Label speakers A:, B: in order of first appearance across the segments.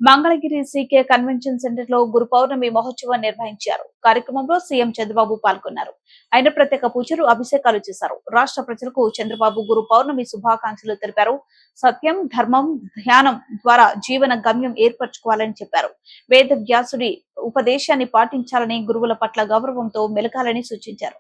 A: Mangalagiri CK convention centre లో గురు పౌర్ణమి మహోత్సవం నిర్వహించారు. కార్యక్రమంలో సీఎం చంద్రబాబు పాల్గొన్నారు. ఆయన ప్రత్యేక పూజలు, అభిషేకాలు చేశారు. రాష్ట్ర ప్రజలకు చంద్రబాబు గురు పౌర్ణమి శుభాకాంక్షలు తెలిపారు. సత్యం, ధర్మం, ధ్యానం ద్వారా జీవన గమ్యం ఏర్పరచుకోవాలని చెప్పారు. వేద వ్యాసుడి ఉపదేశాన్ని పాటించాలని, గురువుల పట్ల గౌరవంతో మెలగాలని సూచించారు.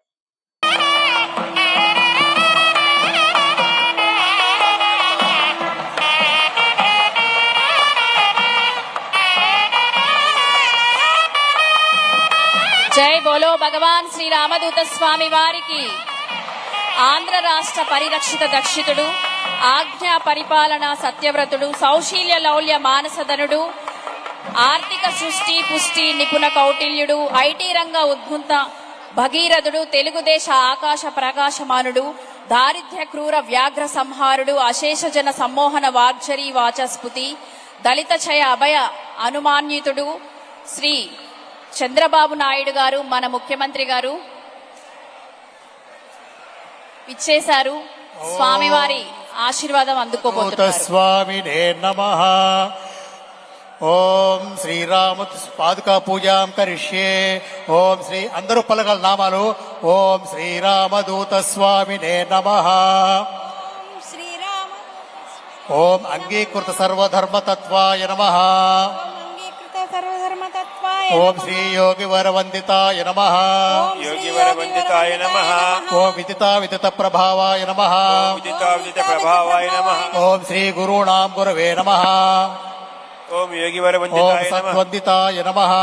B: జై బోలో భగవాన్ శ్రీ రామదూత స్వామి వారికి. ఆంధ్ర రాష్ట్ర పరిరక్షిత దక్షితుడు, ఆజ్ఞా పరిపాలన సత్యవ్రతుడు, సౌశీల్య లౌల్య మానసధనుడు, ఆర్థిక సృష్టి పుష్టి నిపుణ కౌటిల్యుడు, ఐటీ రంగ ఉద్భుత భగీరథుడు, తెలుగుదేశ ఆకాశ ప్రకాశమానుడు, దారిద్ర్య క్రూర వ్యాఘ్ర సంహారుడు, అశేష జన సమ్మోహన వాగ్జరీ వాచస్పతి, దళిత చయ అభయ అనుమాన్యుతుడు శ్రీ చంద్రబాబు నాయుడు గారు, మన ముఖ్యమంత్రి గారు ఇచ్చేశారు. స్వామివారి ఆశీర్వాదం అందుకోబోతున్నారు.
C: స్వామినే నమః. ఓం శ్రీరామ పాదుకా పూజాం కరిష్యే. ఓం శ్రీ అందరూ పలకల నామాలు. ఓం శ్రీరామదూత స్వామినే నమః. ఓం అంగీకృత సర్వధర్మతత్వాయ నమః. ఓం శ్రీ యోగి వరవందితాయ నమః.
D: యోగి వరవందితాయ నమః.
C: ఓం విదితా విదిత ప్రభావాయ నమః.
D: విదితా విదిత ప్రభావాయ నమః.
C: ఓం శ్రీ గురుణాం గురవే నమః.
D: ఓం యోగి
C: ఓం
D: వరవందితాయ నమః.
C: సత్వందితాయ నమః.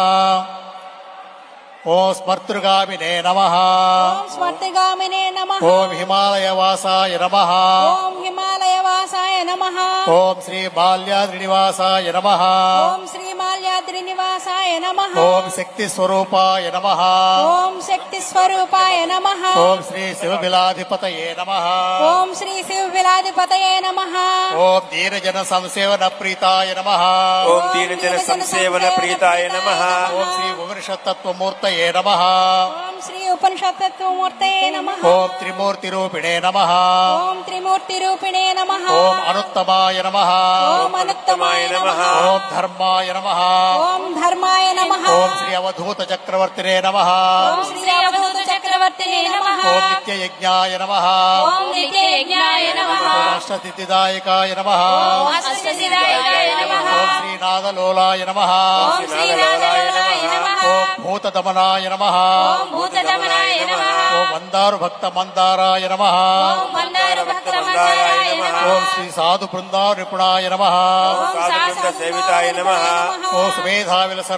C: ఓం స్మర్తృగామినే నమః.
E: స్మర్తిగామినే నమః.
C: ఓం హిమాలయవాసాయ నమః.
E: ఓం హిమాలయవాసాయ నమః.
C: ఓం శ్రీ బాల్యాద్రినివాసాయ నమః.
E: ఓం శ్రీ మాల్యాద్రి నివాసాయ నమః.
C: ఓం శక్తి స్వరూపాయ నమః.
E: ఓం శక్తి స్వరూపాయ నమః.
C: ఓం శ్రీ శివబిలాధిపతయే నమః.
E: ఓం శ్రీ శివ విలాధిపతయే నమః.
C: ఓం దీనజన సంసేవన ప్రీతాయ నమః.
D: ఓం దీనజన సంసేవన ప్రీతాయ నమః.
C: ఓం శ్రీ ఉపనిషత్తత్వమూర్తయే నమః.
E: ఓం శ్రీ ఉపనిషత్తత్వమూర్తయే నమః.
C: ఓం త్రిమూర్తి రూపిణే నమః.
E: ఓం త్రిమూర్తి రూపిణే నమః.
C: ఓం అనుత్తమాయ నమః.
E: ఓం అనుత్తమాయ నమః.
C: ఓం ధర్మాయ నమః.
E: ఓం ధర్మాయ నమః.
C: ఓం శ్రీ అవధూత చక్రవర్తినే నమః.
E: ఓం శ్రీ అవధూత చక్రవర్తినే నమః.
C: ఓం నిత్యయజ్ఞాయ నమః.
E: ఓం నిత్యయజ్ఞాయ నమః.
C: ఓం అష్టసిద్ధిదాయకాయ నమః.
E: ఓం అష్టసిద్ధిదాయకాయ నమః.
C: ఓం శ్రీనాథలోలాయ నమః.
E: ఓం శ్రీనాథలోలాయ నమః.
C: ఓం భూతదమనాయ నమః.
E: ఓం భూతదమనాయ నమః.
C: ఓం మందారు భక్త మందారాయ నమః.
E: ఓం మందార భక్త మందారాయ నమః.
C: ఓం శ్రీ సాధు బృందా నిపుణాయ నమః.
E: ఓం
D: సాధు బృంద సేవితాయ నమః.
C: ఓం సుమేధా విలస